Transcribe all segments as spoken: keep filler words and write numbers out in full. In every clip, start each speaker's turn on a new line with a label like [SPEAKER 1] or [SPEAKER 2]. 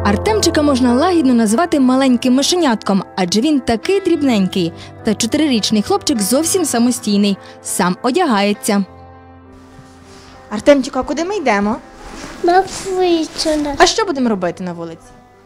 [SPEAKER 1] Артемчика можна лагідно назвати маленьким мишенятком, адже він такий дрібненький. Та чотирирічний хлопчик зовсім самостійний, сам одягається.
[SPEAKER 2] Артемчику, а куди ми йдемо?
[SPEAKER 3] На вулицю.
[SPEAKER 2] А що будемо робити на вулиці?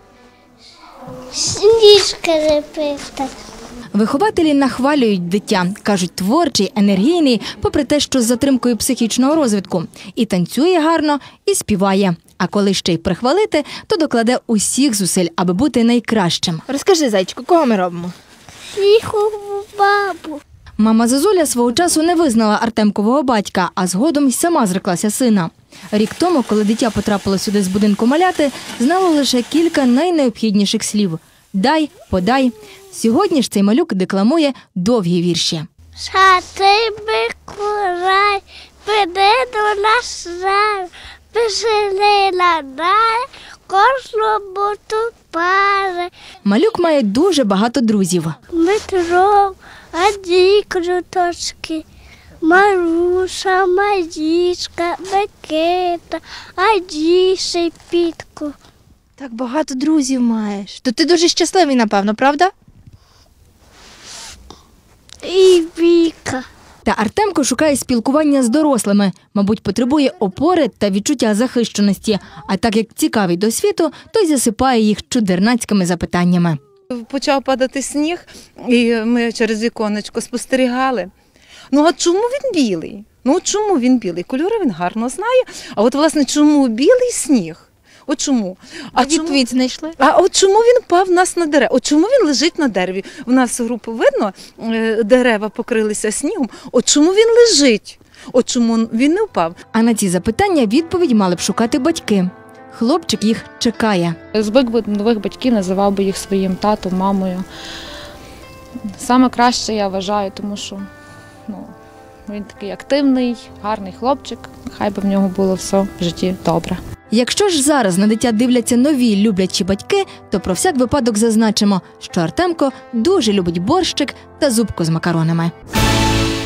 [SPEAKER 3] Сніжки лепити.
[SPEAKER 1] Вихователі нахвалюють дитя. Кажуть, творчий, енергійний, попри те, що з затримкою психічного розвитку. І танцює гарно, і співає. А коли ще й прихвалити, то докладе усіх зусиль, аби бути найкращим.
[SPEAKER 2] Розкажи, зайчику, кого ми робимо?
[SPEAKER 3] Снігову бабу.
[SPEAKER 1] Мама Зозуля свого часу не визнала Артемкового батька, а згодом й сама зреклася сина. Рік тому, коли дитя потрапило сюди з будинку маляти, знало лише кілька найнеобхідніших слів – «дай», «подай». Сьогодні ж цей малюк декламує довгі вірші.
[SPEAKER 3] Святий Миколай, піди до нас рай, весели надай, кожному ту пари.
[SPEAKER 1] Малюк має дуже багато друзів.
[SPEAKER 3] Дмитро, Аді Круточки, Маруша, Марічка, Микита, Аді Шепітко.
[SPEAKER 2] Так багато друзів маєш. То ти дуже щасливий, напевно, правда?
[SPEAKER 3] І Віка.
[SPEAKER 1] Та Артемко шукає спілкування з дорослими. Мабуть, потребує опори та відчуття захищеності. А так як цікавий до світу, то й засипає їх чудернацькими запитаннями.
[SPEAKER 4] Почав падати сніг, і ми через віконечко спостерігали. Ну, а чому він білий? Ну, чому він білий? Кольори він гарно знає. А от, власне, чому білий сніг? От чому?
[SPEAKER 2] А відповідь знайшли?
[SPEAKER 4] А от чому він впав в нас на дерева? От чому він лежить на дереві? У нас групу видно, дерева покрилися снігом. От чому він лежить? От чому він не впав?
[SPEAKER 1] А на ці запитання відповідь мали б шукати батьки. Хлопчик їх чекає.
[SPEAKER 5] Звик би нових батьків, називав би їх своїм татом, мамою. Саме краще, я вважаю, тому що ну, він такий активний, гарний хлопчик. Хай би в нього було все в житті добре.
[SPEAKER 1] Якщо ж зараз на дитя дивляться нові люблячі батьки, то про всяк випадок зазначимо, що Артемко дуже любить борщик та зубку з макаронами.